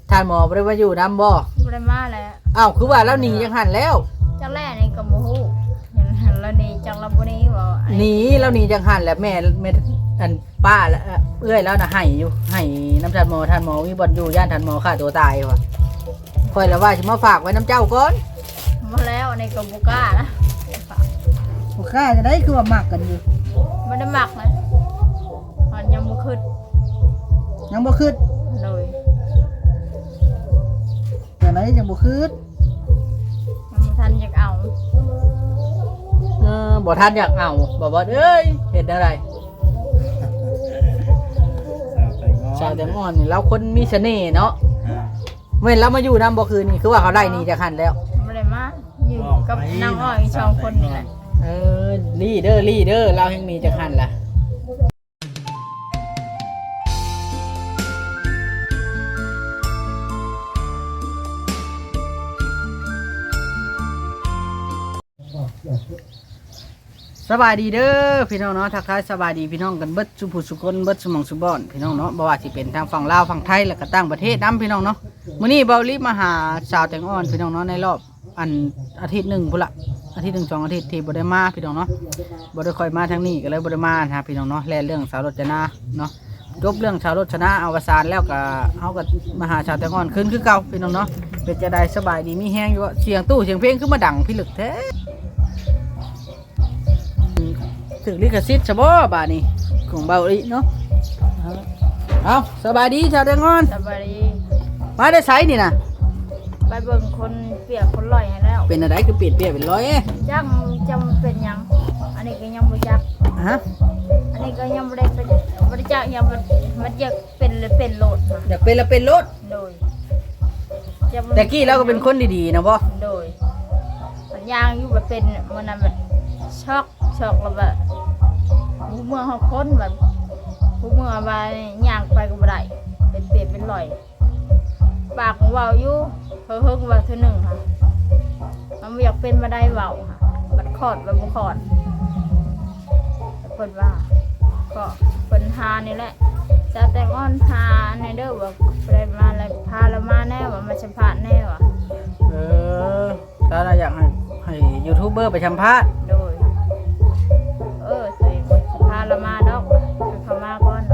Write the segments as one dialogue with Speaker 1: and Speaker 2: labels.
Speaker 1: ท่านหมอบ่ได้มาอยู่นำบ่
Speaker 2: บ่ได้มาแล้ว
Speaker 1: อ้าวคือว่าแล้วหนีจังหันแล้ว
Speaker 2: จักแรกนี่ก็บ่ฮู้เห็นหันแล้วนี่จักเราบ่นี้บ่
Speaker 1: หนีแล้วหนีจังหันแล้วแม่อันป้าแล้วเอื้อยแล้วน่ะให้อยู่ให้น้ำท่านหมอมีบ่อนอยู่ย่านท่านหมอฆ่าตัวตายว่ะค่อยละว่าสิมาฝากไว้น้ำเจ้าก่อน
Speaker 2: บ่แล้วอันนี้ก็บ่กล้านะ
Speaker 1: บ่ค่าจะได้คือว่ามักกันอยู่
Speaker 2: บ่ได้มักนะมันยังบ่ขึ้น
Speaker 1: ยังบ่คิด
Speaker 2: โดย
Speaker 1: แต่ไหนยังบ่คิด
Speaker 2: มันบ่ทันอยากเอา
Speaker 1: บ่ทันอยากเอาบ่เอ้ยเฮ็ดอะไรชาวแตงอ่อนนี่เราคนมีเสน่ห์เนาะเว้นเรามาอยู่นำบ่คืนนี่คือว่าเขาไล่หนีจากหันแล้ว
Speaker 2: บ่ได้มาอยู่กับนางอ้อยสองคนนี่แหละ
Speaker 1: ลีเดอร์เราแห่งมีจากหันล่ะสบายดีเด้อพี่น้องเนาะทักทายสบายดีพี่น้องกันเบิดสุผู้สุคนเบิดสมองสุบอนพี่น้องเนาะบ่ว่าสิเป็นทางฝั่งลาวฝั่งไทยแล้วก็ต่างประเทศนํพี่น้องเนาะมื้อนี้เบาลิมาหาสาวแตงอ่อนพี่น้องเนาะในรอบอาทิตย์หนึ่งพุ่นละอาทิตย์หนึ่ง2 อาทิตย์ที่บ่ได้มาพี่น้องเนาะบ่ได้ค่อยมาทางนี้ก็เลยบ่ได้มานะพี่น้องเนาะแล่เรื่องสาวรจนาเนาะจบเรื่องสาวรจนาอวสานแล้วก็เฮาก็มาหาสาวแตงอ่อนคืนคือเก่าพี่น้องเนาะเป็นจะได้สบายดีมีแฮงอยู่เสียงตู้เสียงเพลงคือมาดังพี่ลึกแท้ถึงลิขสิทธิ์ซะบ่บาดนี้ของเบาลิเนาะเอาสบายดีชาวแตงอ่อน
Speaker 2: สบายดี
Speaker 1: มาได้ไสนี่น่ะ
Speaker 2: ไปเบิ่งคนเปียกคนลอยให้แล้ว
Speaker 1: เป็นอะไรคือเปลี่ยนเป็นร้อย
Speaker 2: จักจำเป็นหยังอันนี้ก็ยังบ่จัก
Speaker 1: ฮะ
Speaker 2: อันนี้ก็ยังบ่ได้เป็นบ่ได้จักยังมันอยากเป็นเลยเป็นโลดมา
Speaker 1: อยากเป็นละเป็นรถ
Speaker 2: โดยจะ
Speaker 1: แต่กี้เราก็เป็นคนดีๆนะบ่
Speaker 2: โดยมันยางอยู่แบบเป็นมันนั้นแบบช็อกแล้วแบบผู้เมืองเฮาคนแบบผู้เมืองว่าย่างไปก็บ่ได้เป็นเปียกเป็นลอยปากเว้าอยู่เฮิงๆว่าเทื่อหนึงค่ะมันบ่อยากเป็นบ่ได้เว้าค่ะบัดคลอดบ่คลอดเพิ่นว่าก็เพิ่นหานี่แหละจะแต่งอ้อนหาในเด้อว่าไปมาอะไรพาเรามาแน่ว่ามาสัมภาษณ์แน่ว่ะ
Speaker 1: ถ้าเราอยากให้ยูทูบเบอร์ไปสัมภาษณ์
Speaker 2: โดยตัวเองพาเรามาดอกเขามาก่อน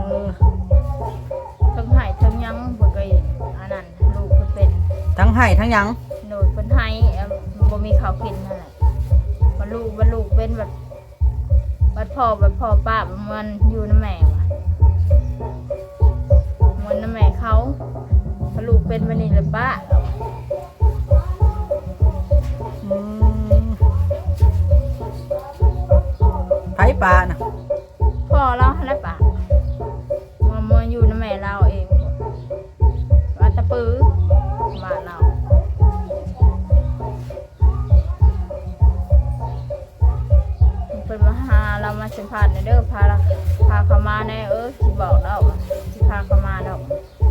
Speaker 2: ทั้งไห้ทั้งยังเพิ่นก็อันนั้นลูกเพิ่นเป็น
Speaker 1: ทั้งให้ทั้งหยัง
Speaker 2: โดยเพิ่นให้บ่มีข้าวกินนั่นแหละมันลูกเป็นแบบบัดพ่อป้ามันอยู่นำแม่ว่ะมันนำแม่เขาพอลูกเป็นบัดนี้เลยป้า
Speaker 1: ไผปลาน่ะ
Speaker 2: พ่อเราอะไรป่ะมันอยู่ในแม่เราเองวัดตะปือบ้านเราเป็นมาหาเรามาสัมภาษณ์ในเด้อพาเขามาแน่ที่บอกเราที่พาเขามาเรา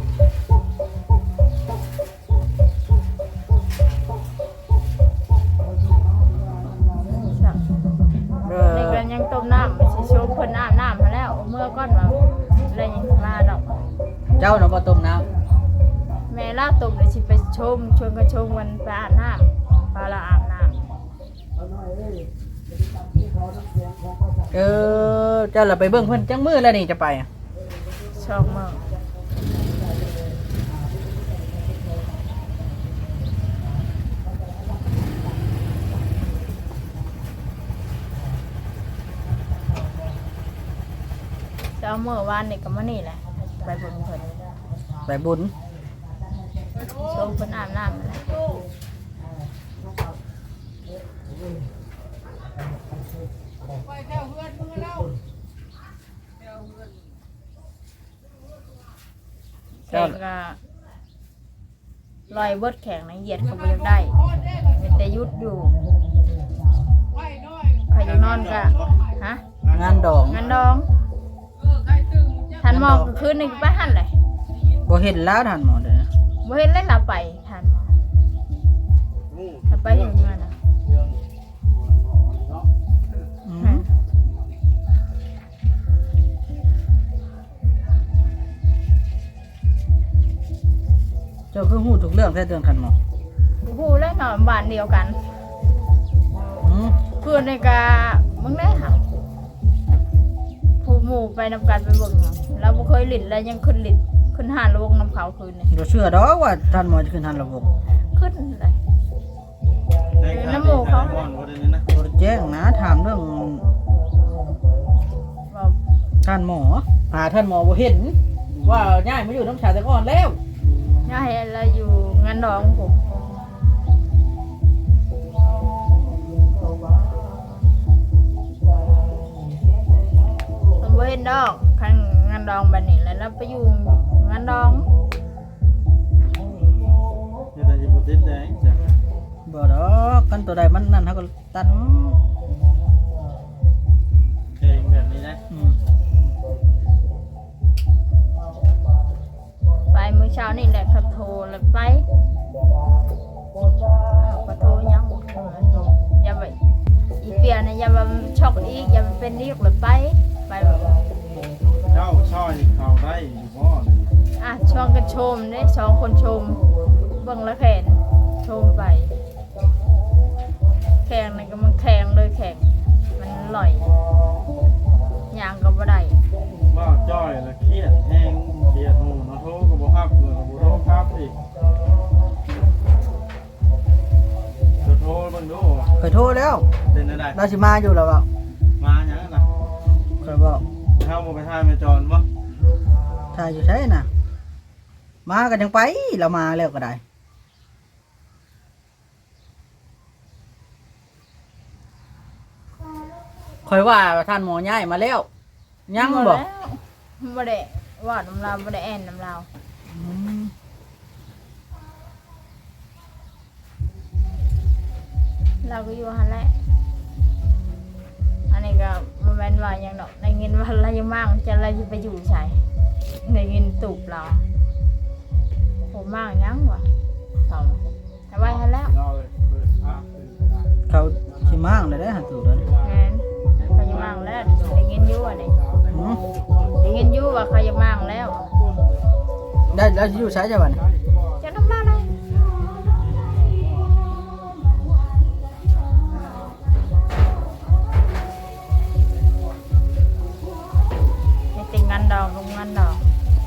Speaker 2: ในกันยังต้มน้ำสิชมเพิ่นอาบน้ำมาแล้วเมื่อก้อนมาอะไรยังมาดอก
Speaker 1: เจ้าน่ะบ่ต้มน้
Speaker 2: แม่ลาต้มเลยสิไปชมชวนกันชมวันไปอาบน้ำปลาละอาบน้ำ
Speaker 1: ำเจ้าล่ะไปเบิ่งเพิ่นจังมื้อแล้วนี่จะไปอะ
Speaker 2: ช่องเมืองเจ้าเมื่อวานนี่ก็มานี่แหละไปเบิ่งเพิ่น
Speaker 1: ไปบุญ
Speaker 2: ชมเพิ่นอาบน้ำนั่นแหละแข่งก็ลอยเบิดแข่งนะเหยียดเขาบ่อยากได้เป็นแต่ยุดอยู่ใครอยากนอนก็ฮะ
Speaker 1: งานดอง
Speaker 2: งั้นดองทันมองคืนหนึ่งไปหันเลย
Speaker 1: บ่เห็นแล้วท่านหมอเด้อ
Speaker 2: บ่เห็นเล่นเราไปทันถ้าไปเห็นมันนะ
Speaker 1: เจ้าคือฮู้ทุกเรื่องแท้เรื่องคันหมอ
Speaker 2: ฮู้แล้วเนาะบ้านเดียวกัน
Speaker 1: อืม
Speaker 2: เพื่อนในกามึงได้ค่ะผู้หมู่ไปนำกันไปเบิ่งเนาะแล้วบ่เคยหลินแล้วยังขึ้นหลินขึ้นหานระวงน้ำเขาคืนนี่
Speaker 1: บ่เชื่อดอกว่าท่านหมอจะขึ้นทันระบบ
Speaker 2: ขึ้นเลย น้ำหมูเขา
Speaker 3: บ่ได้นี่นะ
Speaker 1: บ่ได้แจ้งนะถามเรื่อง
Speaker 2: ว่า
Speaker 1: ท่านหมอท่านหมอบ่เห็นว่าย้ายมาอยู่น้ำชาแตงอ่อนแล้ว
Speaker 2: ย่าให้เราอยู่งานดองผมผมบ่เห็นดอกคันงานดองบัดนี้แล้วเราไปอยู่งานดอง
Speaker 3: จะได้บ่ติดแดงจ้ะ
Speaker 1: บ่ดอกกันตัวใดมันนั่นเฮาก็ตัด
Speaker 3: เพลงแบบนี้นะ
Speaker 1: อืม
Speaker 2: ไปมื้อเช้านี่แหละเขาโทรแล้วไปก็โทรยังอย่าไปอีเปียนะอย่ามาช็อกอีกอย่ามาเป็นอีกเลยไปแบบ
Speaker 3: เจ้าช่อยเข้าได้อยู่บ่นี่
Speaker 2: ช่องกันชมได้สองคนชมเบิ่งแล้วแขนชมไปแข่งนี่ก็มันแข่งเลยแข่งมันอร่อยย่างก็บ่ได้
Speaker 3: ว่าจ้อยแล้วเครียดแฮงเครียดหมู่เนาะโทรก็บ่รับเงินก็บ่โทรครับอีกจะโทรเบิ่งดู
Speaker 1: เคยโทรแล้ว
Speaker 3: เป็นได้
Speaker 1: เราสิมาอยู่แล้วเปล่า
Speaker 3: มาหยังน่ะ
Speaker 1: เคยบอก
Speaker 3: เฮาบ่ไปทายแม่จอนบ่
Speaker 1: ถ้าอยู่ใช่น่ะมากันยังไปเรามาแล้วก็ได้คอยว่าท่านหมอย้ายมาแล้วยังบอก
Speaker 2: บ่ได้ว่าน้ำลาวบ่ได้แอนน้ำลาวเราก็อยู่หั่นแหละอันนี้ก็บ่แม่นว่าหยังดอกได้เงินว่าเรายังมั่งจะเราสิไปอยู่ไสได้เงินตูบเราผมมั่งหยังวะเอาเอาไว้หั่นแล้ว
Speaker 3: เราเลยเปิดภาพเลยก็ได้
Speaker 1: เขาชิมางเลยได้หันตูดเลย
Speaker 2: แม่นเขายังมั่งแล้วได้เงินอยู่อันนี้ได้เงินอยู่ว่าเขายังมั่งแล้ว
Speaker 1: ได้แล้วสิอยู่ใช้จะวัน
Speaker 2: จะน้ำลาวเลยให้ติงงานดอกลงงานดอก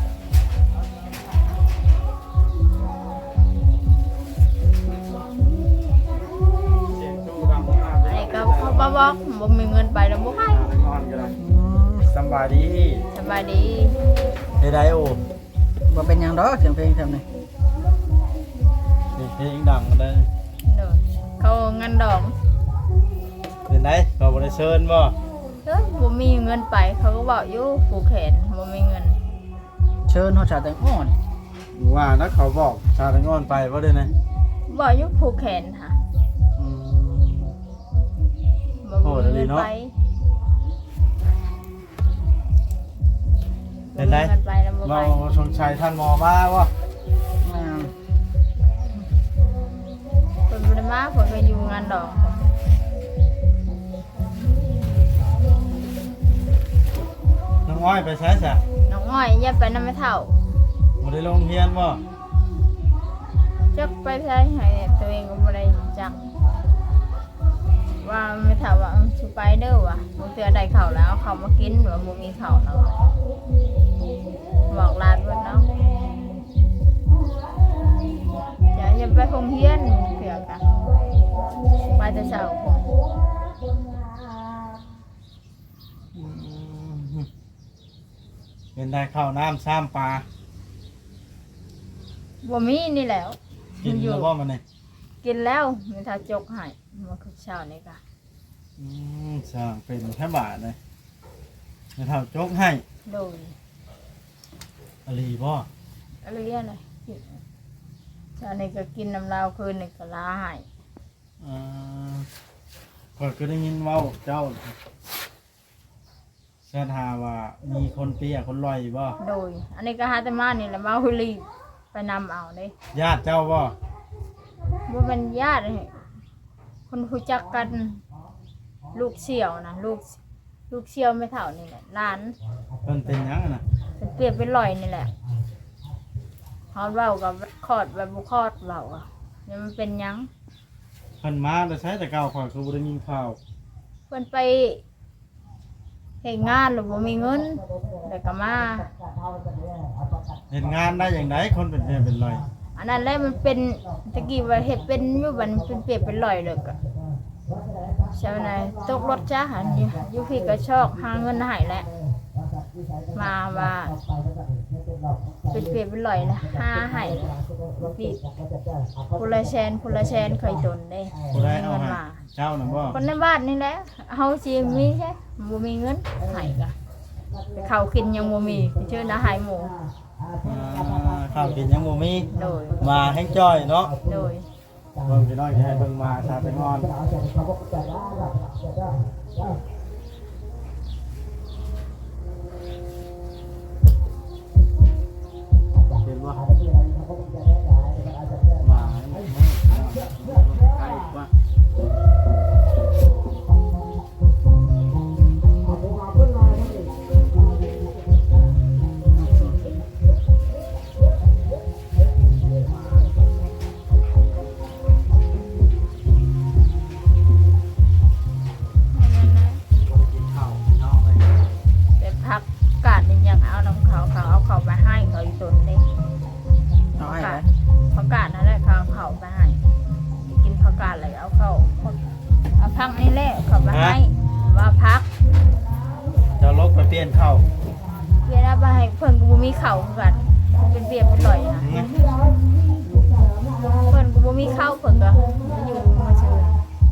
Speaker 3: เสียงชูดังมาก
Speaker 2: อันนี้ก็เขาบอกบ่มีเงินไปแล้วบ่ให้
Speaker 3: ไปนอนก็ได้สำบายดี
Speaker 2: สบายดี
Speaker 3: เฮ็ดได้โอ้
Speaker 1: ว่าเป็นหยังดอกเสียงเพลงทำนี่
Speaker 3: นี่เพลงดังได้
Speaker 2: เด้อเขางานดอก
Speaker 3: เป็นได้ก็บ่ได้เชิญบ่
Speaker 2: เฮ้ยบ่มีเงินไปเขาก็บอกอยู่ผูกแขนบ่มีเงิน
Speaker 1: เชิญเขาชาแตงอ่อน
Speaker 3: ว่านักเขาบอกชาตะงอนไปบ่ได้นะ
Speaker 2: บอกอยู่ผูกแขนค่ะ
Speaker 1: อืม
Speaker 2: บ่มีเงินไป
Speaker 3: เป็นไร
Speaker 2: บ่มีเงินไปแล้วบ่
Speaker 3: เรา
Speaker 2: ไป
Speaker 3: ชงชัยท่านหมอมาว่า
Speaker 1: อ่า
Speaker 2: เพิ่นบ่ได้มาเพิ่นก็อยู่งานดอก
Speaker 3: น้องอ้อยไปใช้ซะ
Speaker 2: น้องอ้อยอย่าไปนำแม่เฒ่า
Speaker 3: บ่ได้ลงเรียนบ่
Speaker 2: จักไปใช้ให้ตัวเองก็บ่ได้จักว่าแม่เฒ่าว่าสิไปเด้อว่ะบ่เทื่อได้ข้าวแล้วเอาข้าวมากินว่าบ่มีข้าวเนาะบอกหลานเพิ่นเนาะอย่าไปโรงเรียนเถื่อกันไปแต่เช้า
Speaker 3: เป็นได้ข้าวน้ำซ้ำปลา
Speaker 2: บ่มีนี่แหล้ว
Speaker 3: กินแล้วบ่มันนี่
Speaker 2: กินแล้วแม่เฒ่าจกให้มาคือเช้านี่ก็
Speaker 3: สร้างเป็นแค่บาทเลยให้เท่าโจ๊กให้
Speaker 2: โดย
Speaker 3: อลีบ่
Speaker 2: อะไรเงี้ยเลยกินเช้านี่ก็กินน้ำลาวคืนนี่ก็ลาให้
Speaker 3: ก่อนก็ได้ยินเว้าเจ้าเสื้อทาว่ามีคนเปียคนลอยบ่
Speaker 2: โดย อันนี้ก็หาแต่มานี่แหละมาหุลีไปนำเอาเด้
Speaker 3: ญาติเจ้าบ่
Speaker 2: บ่เป็นญาติเลยคนรู้จักกัน ลูกเสี่ยวนะลูกเสี่ยวไม่เท่านี่แหละหลาน
Speaker 3: เพิ่นเป็นหยังอะน่ะ
Speaker 2: เป็นเปรียบเป็นลอยนี่แหละเฮาเว้ากับคลอดแบบบ่คลอดเว้าอ่ะนี่มันเป็นหยัง
Speaker 3: เพิ่นมาแล้วใช้แต่เก่าข่อยคือบ่ได้ยินข่าว
Speaker 2: เพิ่นไปเฮ็ดงานแล้วบ่มีเงินแล้วก็มา
Speaker 3: เห็นงานได้อย่างไรคนเป็นแม่เป็นไร
Speaker 2: อันนั้นแหละมันเป็นตะกี้ว่าเฮ็ดเป็นอยู่บัดเป็นเปรียบเป็นร้อยเลยก็ใช่ไหมตกรถจ้าหันอยู่พี่ก็ชอกหาเงินให้แหละมาว่าเป็นเปรียบเป็นร้อยนะหาให้พี่ผู้ละแสนเคยตนเด้
Speaker 3: ผู้ใดเอา
Speaker 2: เงิน
Speaker 3: ให้
Speaker 2: มา
Speaker 3: เจ้าน่ะบ่
Speaker 2: คนในบ้านนี่แหละเฮาสิมีใช่บ่มีเงินให้ก็แต่ข้าวกินยังบ่มีชื่อนะให้หมู
Speaker 3: ข้าวกินยังบ่มี
Speaker 2: โดย
Speaker 3: มาแห้งจ้อยเนาะ
Speaker 2: โดย
Speaker 3: เบิ่งพี่น้องสิให้เบิ่งมาชาเป็นงอนเห็นบ่มาใกล้ว่าข้าวน้องเลย
Speaker 2: แต่พักกาดนี่ยังเอาน้ำเขาเอาเขาไปให้เขาอีกตนเลย
Speaker 1: เอาให้ไหม
Speaker 2: ผักกาดนั่นแหละเขาเอาเขาไปให้กินผักกาดเลยเอาเขาเอาพักนี่แหละเขาไปให้ว่าพัก
Speaker 3: จะลบไปเปลี่ยนข้าว
Speaker 2: เพื่อนเอาไปให้เพิ่นกูมีเข่าคือกันเป็นเปียกเป็นต่อยนะเพิ่นกูมีข้าวเพิ่นก็อยู่มาเชิญ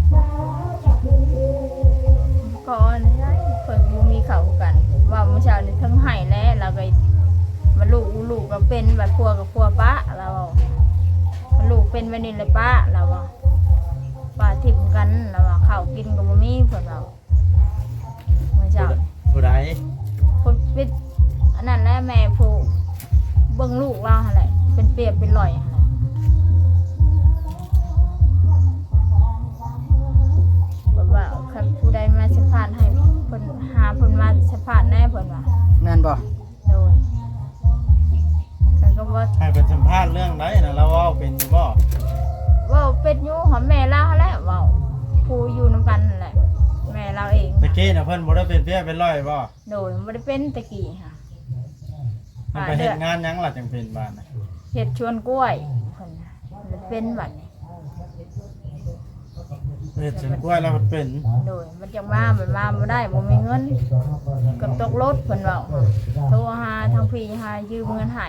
Speaker 2: ก่อนได้เพิ่นกูมีเข่าคือกัน ว่าเมื่อเช้านี่ทั้งไห้แล้วเราก็มาลูกก็เป็นแบบพัวกับพัวป้าเราลูกเป็นแบบนี้เลยป้าเราป้าทิมกันเราข้าวกินกับบ่มีเพิ่นเราเมื่อเช้า
Speaker 3: ผู้ใด
Speaker 2: คนเป็นอันนั้นแหละแม่ผู้เบิ่งลูกเราหั่นแหละเป็นเปรียบเป็นรอยหั่นแหละแบบว่าใครผู้ใดมาสัมภาษณ์ให้เพิ่นหาเพิ่นมาสัมภาษณ์แน่เพิ่นว่า
Speaker 1: แม่นบ่
Speaker 2: โดยแต่ก็ว่า
Speaker 3: ให้เป็นสัมภาษณ์เรื่องไหนนะเราเว่าเป็นอยู่บ่
Speaker 2: ว่าเป็นอยู่หอมแม่เราหั่นแหละเว้าผู้อยู่นำกันนั่นแหละแม่เราเอง
Speaker 3: ตะกี้น่ะเพิ่นบ่ได้เป็นเพี้ยเป็นร้อยบ่
Speaker 2: โดยบ่ได้เป็นตะกี้ค่ะ
Speaker 3: มันไปเฮ็ดงานหยังล่ะจังเป็นบ้านน่ะ
Speaker 2: เฮ็ดชวนกล้วยเพิ่นน่ะมันเป็นบัดนี้
Speaker 3: เฮ็ดสวนกล้วยแล้วมันเป็น
Speaker 2: โดยมันจังมามันมาบ่ได้บ่มีเงินกับตกรถเพิ่นเว้าโทรหาทางพี่หายืมเงินให้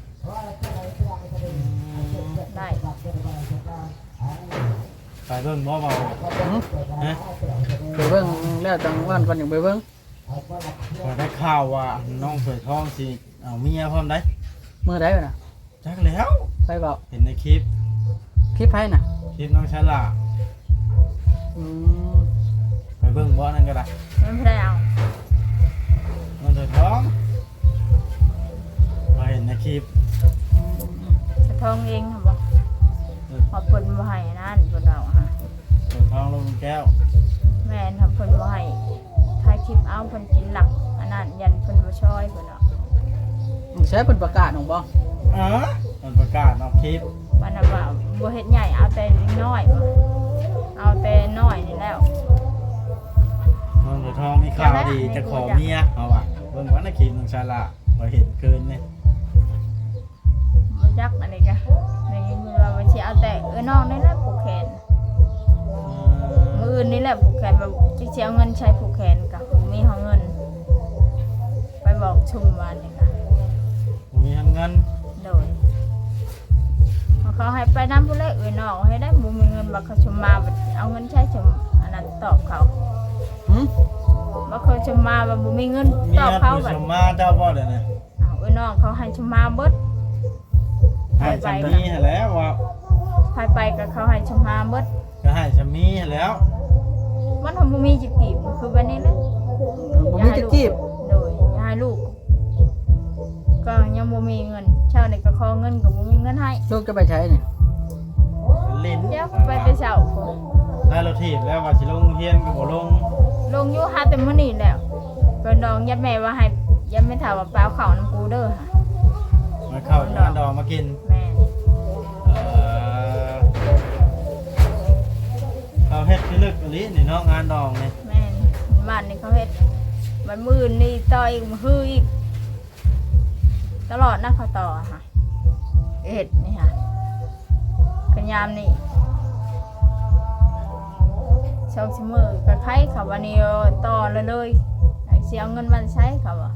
Speaker 2: ได้
Speaker 3: ไปเบิ่งบ่เบา
Speaker 1: หึ
Speaker 3: ฮะ
Speaker 1: ไปเบิ่งแล้วจังวันก่อนอย่างไปเบิ่ง
Speaker 3: พอได้ข่าวว่าน้องเผยทองสิเอาเมียพร้อมได้
Speaker 1: มื้อใดวะน่ะ
Speaker 3: จักแล้ว
Speaker 1: ไปเว้า
Speaker 3: เห็นในคลิป
Speaker 1: คลิปไผน่ะ
Speaker 3: คลิปน้องฉลาด
Speaker 1: อืม
Speaker 3: ไปเบิ่งบ่นั่นก็ได้
Speaker 2: มันบ่ได้เอา
Speaker 3: น้องเผยทองมาเห็นในคลิป
Speaker 2: สะทองเองค่ะบ่พอเพิ่นบ่ให้นั่นเพิ่นเอาฮะ
Speaker 3: เผยทองลงแก้ว
Speaker 2: แม่นค่ะเพิ่นบ่ให้ถ่ายคลิปเอาเพิ่นกินหลักอันนั้นยันเพิ่นบ่ช่วยเพิ่นเอา
Speaker 1: ใช้เพิ่นประกาศของบ่
Speaker 3: มันประกาศออกคลิป
Speaker 2: มันน่ะว่าบ่เฮ็ดใหญ่เอาแต่น้อยบ่เอาแต่น้อยนี่แล้ว
Speaker 3: น้องเผยทองมีข่าวดีจะขอเมียเอาว่ะเบิ่งว่าในคลิปน้องฉลาดพอเห็นเกินเนี่ย
Speaker 2: บ่จักอันนี้ก็ในมือว่าบ่สิเอาแต่น้องนี่แหละผูกแขนมื้ออื่นนี่แหละผูกแขนแบบสิเอาเงินใช้ผูกแขนก็มีเฮาเงิน ไปบอกชุมว่านี่ค่ะ
Speaker 3: ผมมีเงิน
Speaker 2: โดยเขาให้ไปนำผู้เล็กน้องให้ได้บ่มีเงินบักเขาชุมมาบัดเอาเงินใช้ชุมอันนั้นตอบเขา
Speaker 1: หึ
Speaker 2: บักเขาชุมมาว่าบ่มีเงิน
Speaker 3: มี
Speaker 2: ตอบ
Speaker 3: เงิน
Speaker 2: เขา
Speaker 3: ผู้
Speaker 2: บั
Speaker 3: ช
Speaker 2: ด
Speaker 3: มมาเจ้าบ่เด้อเนี่ย
Speaker 2: เอาน้องเขาให้ชุมมาเบิด
Speaker 3: ให้ชามีให้แล้วว่า
Speaker 2: ไปก็เขาให้ชุมมาเบิด
Speaker 3: ก็ให้ชามีให้แล้ว
Speaker 2: มันทำบ่มีจิตกีบคือแบบนี้แหละ
Speaker 1: บ่มีจะจีบ
Speaker 2: โดยอย่าให้ลูก ก็ยังบ่มีเงินเช้านี่ก็ขอเงินก็บ่มีเงินให้
Speaker 1: ลูกจะไปใช้นี่
Speaker 3: ลิ้น
Speaker 2: เดี๋ยวไปแต่เช้าพุ่น
Speaker 3: ได้รถถีบแล้วว่าสิลงเฮียนก็บ่ลง
Speaker 2: ลงอยู่หาแต่มื้อนี้แล้วก็น้องยัดแม่ว่าให้ยัดแม่ถามว่าเปล่าข้าวน้ำกูเด้อค่ะ
Speaker 3: หมายมาเข้าอยู่งานดองมากิน
Speaker 2: แม่น
Speaker 3: เขาเฮ็ดที่ลึกอีหลีนี่เนาะงานดองนี่
Speaker 2: แม่นบ้านนี่เขาเฮ็ดมันมื้อนี่ต่ออีกมื้อฮืออีกตลอดนะเขาต่อค่ะเฮ็ดนี่ค่ะกันยามนี่ชาวชิมือกับใครเขาวันนี้ต่อเลยเสียเงินวันใช้เขาอ่ะ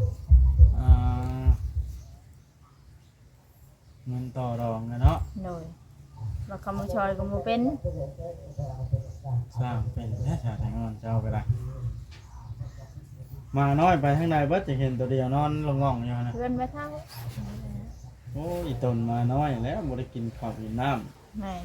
Speaker 3: เงินต่อรองนะเนาะ
Speaker 2: โดยว่าคำมือชอยก็มือเป็น
Speaker 3: สร้างเป็นแท้ชาติงอนเจ้าก็ได้มาน้อยไปข้างในเบิดจะเห็นตัวเดียวนอนลงง่องอยู่นะ
Speaker 2: เพื่อนไม่เท่า
Speaker 3: โอ้ยตนมาน้อยแล้วบ่ได้กินข้าวกินน้
Speaker 2: แม่น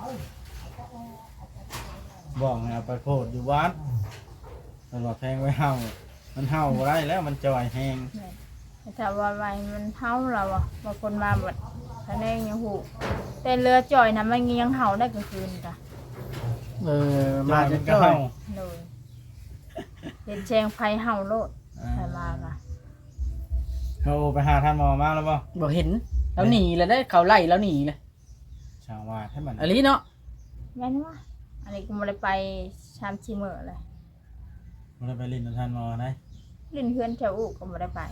Speaker 3: ำบอกให้เอาไปโพดอยู่วัดตลอดแทงไว้เห่ามันเห่าบ่ได้แล้วมันจ่อยแหง
Speaker 2: แม่นแต่ถ้าว่าไว้มันเท่าเราอ่ะบางคนมาแบบทะเลยังหูแต่เรือจ่อยนะมันยังเห่าได้กลางคืนจ้ะ
Speaker 1: มาจะ
Speaker 3: ก็
Speaker 1: จ้อย
Speaker 3: เห่า
Speaker 2: โดยเห็นแชงไฟเห่าโลดใครมาค่ะ
Speaker 3: เขาไปหาท่านหมอมาแล้วบ่
Speaker 1: บ่เห็นแล้วหนีแล้วได้เขาไล่แล้วหนีเลย
Speaker 3: ชาวว่าให้มัน
Speaker 1: อันนี้เนาะ
Speaker 2: แม่นว่าอันนี้กูไม่ได้ไปชามชิมือเลย
Speaker 3: บ่ได้ไปลินกับท่านหมอได้
Speaker 2: ลิ้นเพื่อนแถวอุก็ไม่ได้ไป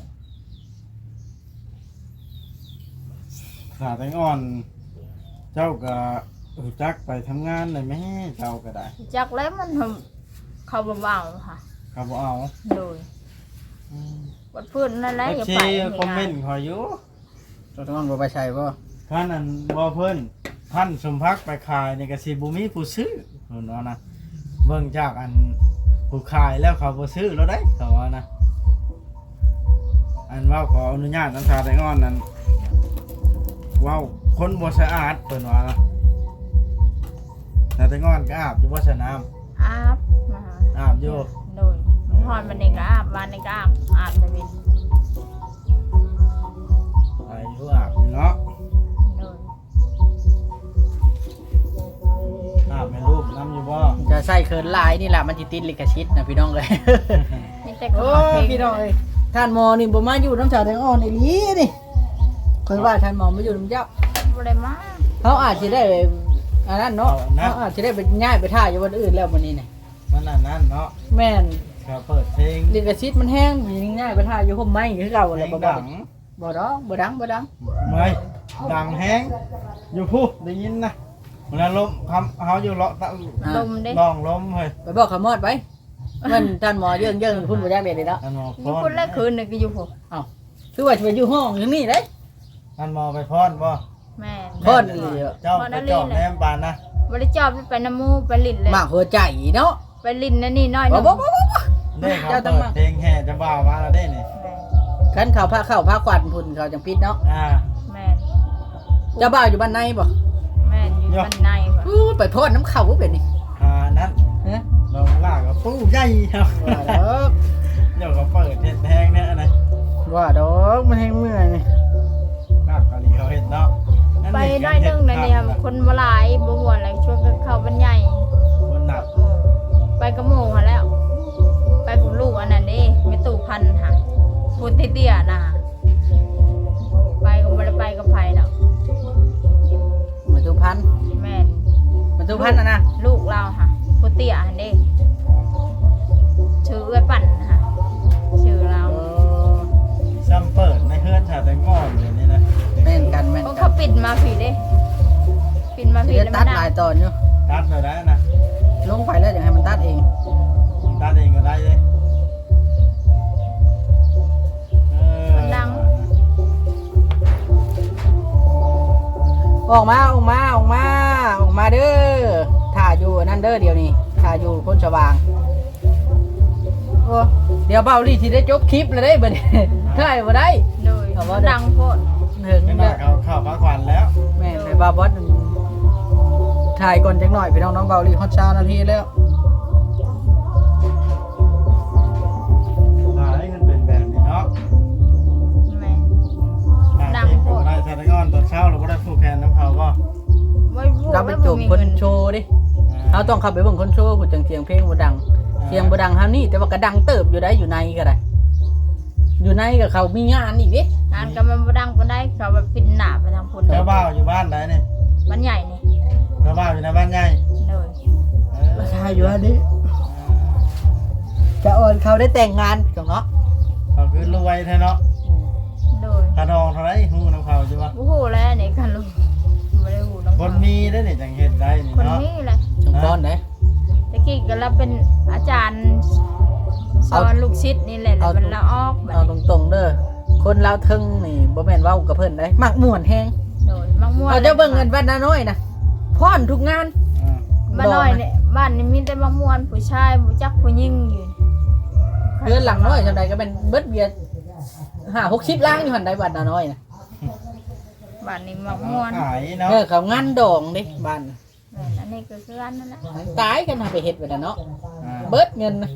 Speaker 3: สาแตงอ่อน เจ้าก็รู้จักไปทำงานเลยแม่เจ้าก็ได้
Speaker 2: จากแล้วมันทำเขาเบาๆค่ะ
Speaker 3: เขาบ่เอา
Speaker 2: โดยวัดพื้นนั่นแหละ
Speaker 3: เอฟ
Speaker 2: อย่า
Speaker 3: ซี
Speaker 2: ไป
Speaker 3: คอมเมนต์ขอยอยู่
Speaker 1: ตัวต้องบ่ไปใช่บ่
Speaker 3: ท่านนั้นบ่เพิ่นท่านสมพักดิ์ไปขายนี่ก็สิบ่มีผู้ซื้อเพิ่นว่านะเบิ่งจากอันผู้ขายแล้วเขาบ่ซื้อแล้วได้เขาว่านะอันเว้าขออนุญาตน้ำชาแตงอ่อนนั้นเว้าคนบ่สะอาดเพิ่นว่านะชาแตงอ่อนก็อาบอยู่บ่สระน้ำ
Speaker 2: อาบมา
Speaker 3: อาบอยู่
Speaker 2: โดยหอนมันเองก็อาบวันนี้ก็อาบไปเป็น
Speaker 3: ไปอยู่อาบอยู่เนาะ
Speaker 2: โดย
Speaker 3: อาบแม่ลูกน้ำอยู่บ่
Speaker 1: จะใส่เคินลายนี่แหละมันสิติดลิขสิทธิ์นะพี่น้องเลย
Speaker 2: นี่แต่
Speaker 1: โอ้
Speaker 2: เขาเพลง
Speaker 1: พี่น้องเอ้ยท่านหมอนี่บ่มาอยู่น้ำชาแตงอ่อนอีหลีนี่เคยว่าท่านหมอมาอยู่น้ำเจ้า
Speaker 2: บ่ได้มา
Speaker 1: เขาอาจจะได้อันนั้นเนาะเขาอาจจะได้ไปง่ายไปท่าอยู่วันอื่นแล้ววันนี้เนี่ย
Speaker 3: มันอันนั้นเนาะ
Speaker 1: แม่น
Speaker 3: เขาเปิดเพลง
Speaker 1: ลิขสิทธิ์มันแห้งง่ายไปท่าอยู่ห่มไม้คือเก่า
Speaker 3: เพ
Speaker 1: เล
Speaker 3: ล
Speaker 1: ย
Speaker 3: ง
Speaker 1: บ่
Speaker 3: ดัง
Speaker 1: บ่ดอกบ่ดังบ่ดัง
Speaker 3: ไม่ดังแฮงอยู่พูได้ยินนะเวลาลมคำเขาอยู่เลาะตะ
Speaker 2: ลมเด้
Speaker 3: ลองลมเฮ้ย
Speaker 1: ไปบอกขมอดไปมันท่านหมอเยิ่งพุ่นบ่จักเด็ดเลยเนาะ
Speaker 3: ท่านหมอ
Speaker 2: อ
Speaker 3: พ
Speaker 2: ยู่
Speaker 3: ร
Speaker 2: คนแรกคืนนึงก็อยู่ผม
Speaker 1: คือว่าจะไปอยู่ห้องอย่างนี้เด้
Speaker 3: ท่านหมอไปพรบ่
Speaker 2: แม่น
Speaker 1: พรอีหลี
Speaker 3: เจ้าไปจอบแนมบานนะ
Speaker 2: บ่ได้จอบไปน้ำมูไปลิ้นเลย
Speaker 1: มากหัวใจเนาะ
Speaker 2: ไปลิ้นนั่นนี่น้อยห
Speaker 1: บ่
Speaker 2: นึง
Speaker 1: บ่บ่บ่
Speaker 3: เด้เขาเปิดเพลงแห่จะบ่าวมาแล้วเด้นี่
Speaker 2: แม่น
Speaker 1: คันเข้าพาควันพุ่นเขาจังปิดเนาะ
Speaker 2: แม่น
Speaker 1: เจ้าบ่าวอยู่บ้านในบ่
Speaker 2: แม่นอยู่บ้านในว่ะ
Speaker 1: อู้ไปโทษน้ำเข้าบ่เป็นนี่
Speaker 3: นั้น
Speaker 1: ฮะ
Speaker 3: ลงลากกับตู้ใหญ่ครับ
Speaker 1: ว่าดอก
Speaker 3: เดี๋ยวเขาเปิดเฮ็ดแฮงเนี่ยอะไร
Speaker 1: ว่าดอกมันแห้งเมื่อยนี่
Speaker 3: ลากกะลีเขาเฮ็ดเนาะ
Speaker 2: ไปน้อยหนึงนะเนี่ยคนบ่หลายบ่ม่วนเลยชวนกันเข้าบ้านใหญ่
Speaker 3: คนหนัก
Speaker 2: ไปกับหมู่หั่นแล้ว ไปกับลูกอันนั้นเด้แม่ตู่พันธุ์ค่ะพูดเตี้ยๆน่ะไปก็บ่ได้ไปกับไผดอก
Speaker 1: มาดูพัน
Speaker 2: แม่น
Speaker 1: มาดูพันนะ
Speaker 2: ลูกเราค่ะพูดเตี้ยหั่นเด้ชื่อเอื้อยปั่นค่ะชื่อเรา
Speaker 3: ซ้ำเปิดในเฮือนชาแตงอ่อนอย่างนี้นะ
Speaker 1: แม่นกันแม่น
Speaker 2: เพราะ
Speaker 1: กั
Speaker 2: เขา
Speaker 1: น
Speaker 2: ปิดมาผีเด้ปิดมาผี
Speaker 1: จะ
Speaker 2: แล้ว
Speaker 1: ตั
Speaker 2: มั
Speaker 1: ด
Speaker 2: น
Speaker 1: หลายตอนอยู่
Speaker 3: ตัดเลยได้นะ
Speaker 1: ลงไปแล้วอย่างให้มันตัดเอง
Speaker 3: ตัดเองก็ได้เลย
Speaker 2: ดัง
Speaker 1: ออกมาเด้อถ่าอยู่นั่นเด้อเดี๋ยวนี้ถ่าอยู่พ้นสว่างโอ้เดี๋ยวเบาลี่ที่ได้จบคลิปเลยได้บ่เนี่ยถ่ายบ่ได้
Speaker 2: โดยดังโพด
Speaker 1: ถึง
Speaker 3: ไม่
Speaker 1: แล้
Speaker 3: น่าว เข้าพักผ่อนแล้ว
Speaker 1: แม่ในบาบอสถ่ายก่อนจังหน่อยพี่น้องเบาลี่ฮอตชานาทีแล้ว
Speaker 3: ตายมันเป็นแบบนี้เนาะ
Speaker 2: แม่
Speaker 3: ดังโคตรได้ชาตะก้อนตอนเช้าเราก็ได้ผูกแขนน้ำเขาก็
Speaker 2: ไม่พูด
Speaker 1: เราไปจูบคนโชว์ดิเราต้องขับไปเบิ่งคนโชว์ผู้จังเสียงเพลงบ่ดังเสียงบ่ดังเฮานี่แต่ว่าก็ดังเติบอยู่ได้อยู่ในก็ได้อยู่ในกับเขามีงานอีกดิ
Speaker 2: งานก็มันบ่ดังปานใดเขาแบบปิดหน้าไปทางพุ่น
Speaker 3: เจ้าบ่าวอยู่บ้านไหนนี่
Speaker 2: มันใหญ่นี่
Speaker 3: เจ้าบ่าวอยู่ในบ้านใหญ่
Speaker 2: เลย
Speaker 1: ราคาอยู่อันนี้จะโอนเขาได้แต่งงานจังเนาะ
Speaker 3: เขาคือรวยแท้เนาะ
Speaker 2: เลย
Speaker 3: ค่าดองเท่าไหร่ฮู้นำเขาใช่ปะ
Speaker 2: บ่ฮู้แล้วนี่กันลูกบ่ได้ฮู้น้อง
Speaker 3: คนมีได้นี่จังเฮ็ดได้นี่
Speaker 2: คน
Speaker 3: เนาะ
Speaker 2: นี้แหละ
Speaker 1: จังก้อนไหน
Speaker 2: ตะกี้ก็เราเป็นอาจารย์สอนลูกศิษย์นี่แหละแล้วมันละออกบัด
Speaker 1: เอา
Speaker 2: นี้
Speaker 1: ตรงๆเด้อคนลาวเทึงนี่บ่แม่นเว้ากับเพิ่นได้มักม่วนแฮง
Speaker 2: โดยมักม่วน
Speaker 1: เอาเจ้าเบิ่งเงินบ้านนาน้อยนะพรทุกงาน
Speaker 3: อ่า
Speaker 2: บ้านน้อยเนี่ยบ้านนี่มีแต่มักม่วนผู้ชายบ่จักผู้หญิงอยู่
Speaker 1: เรือนหลังน้อยจังใดก็เป็นเบิดเบียร์50-60ล้านอยู่หั่นใดบ้านนาน้อยนะ
Speaker 2: บ้านนี้มักม่วน
Speaker 3: ขายเนาะ
Speaker 1: เขางานดองเด้บ้าน
Speaker 2: แม่นอันนี้ก็คืออันนั้นแหละ
Speaker 1: ตายกันหาไปเฮ็ดไว้น่ะเนาะ
Speaker 3: อ่า
Speaker 1: เบิดเงินนะ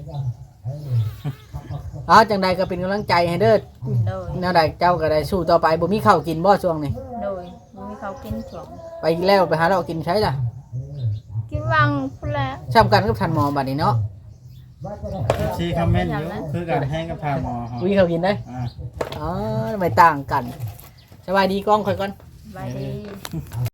Speaker 1: เอาจังใดก็เป็นกำลังใจให้เด้อ
Speaker 2: โดย
Speaker 1: แนวใดเจ้าก็ได้สู้ต่อไปบ่มีข้าวกินบ่ช่วงนี้
Speaker 2: โดยบ่มีเขากินช่วง
Speaker 1: ไปแล้วไปหาเรากินใช้ล่ะ
Speaker 2: กินวังพุ่นแหละ
Speaker 1: ช้ำกันกับทันหมอบัดนี้เนาะ
Speaker 3: ชีคอมเมนต์อยู่คือการแห้งกับทางหมอเขา
Speaker 1: วิเขากินได้
Speaker 3: อ่า
Speaker 1: อ๋อไม่ต่างกันสบายดีกล้องค่อยก่อน
Speaker 2: บายดี